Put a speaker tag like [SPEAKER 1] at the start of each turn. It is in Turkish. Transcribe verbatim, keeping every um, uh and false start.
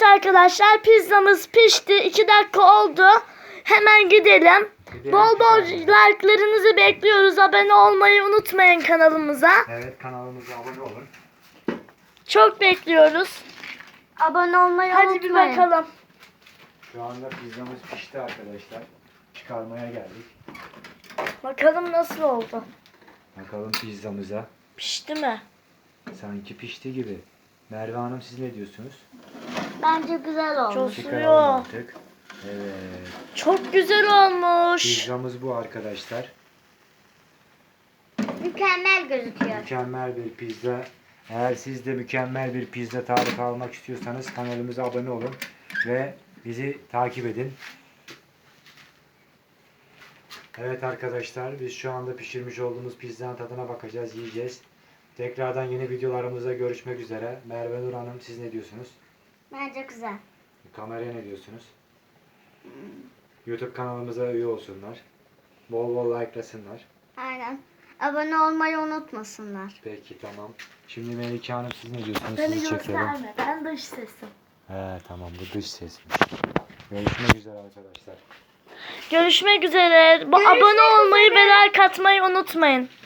[SPEAKER 1] arkadaşlar, pizzamız pişti. iki dakika oldu. Hemen gidelim.
[SPEAKER 2] Gidelim,
[SPEAKER 1] Bol bol
[SPEAKER 2] çıkalım.
[SPEAKER 1] like'larınızı bekliyoruz. Abone olmayı unutmayın kanalımıza.
[SPEAKER 2] Evet, kanalımıza abone olun.
[SPEAKER 1] Çok bekliyoruz.
[SPEAKER 3] Abone olmayı
[SPEAKER 1] Hadi
[SPEAKER 3] unutmayın.
[SPEAKER 1] bir bakalım.
[SPEAKER 2] Şu anda pizzamız pişti arkadaşlar. Çıkarmaya geldik.
[SPEAKER 1] Bakalım nasıl oldu.
[SPEAKER 2] Bakalım pizzamıza.
[SPEAKER 1] Pişti mi?
[SPEAKER 2] Sanki pişti gibi. Merve Hanım, siz ne diyorsunuz?
[SPEAKER 3] Bence güzel olmuş.
[SPEAKER 1] Çok
[SPEAKER 2] Çıkaralım
[SPEAKER 1] suyu.
[SPEAKER 2] artık. Evet.
[SPEAKER 1] Çok güzel olmuş.
[SPEAKER 2] Pizzamız bu arkadaşlar.
[SPEAKER 3] Mükemmel gözüküyor.
[SPEAKER 2] Mükemmel bir pizza. Eğer siz de mükemmel bir pizza tarifi almak istiyorsanız kanalımıza abone olun ve bizi takip edin. Evet arkadaşlar, biz şu anda pişirmiş olduğumuz pizzanın tadına bakacağız, yiyeceğiz. Tekrardan yeni videolarımızda görüşmek üzere. Merve Nur Hanım, siz ne diyorsunuz?
[SPEAKER 3] Bence güzel.
[SPEAKER 2] Kameraya ne diyorsunuz? YouTube kanalımıza üye olsunlar. Bol bol like'lasınlar.
[SPEAKER 3] Aynen. Abone olmayı unutmasınlar.
[SPEAKER 2] Peki, tamam. Şimdi Melike Hanım, siz ne diyorsunuz?
[SPEAKER 1] Beni
[SPEAKER 2] Sizi çekelim.
[SPEAKER 1] gösterme. Ben dış sesim.
[SPEAKER 2] He, tamam, bu dış sesmiş. Görüşmek üzere arkadaşlar.
[SPEAKER 1] Görüşmek üzere. Bu abone olmayı ve like atmayı unutmayın.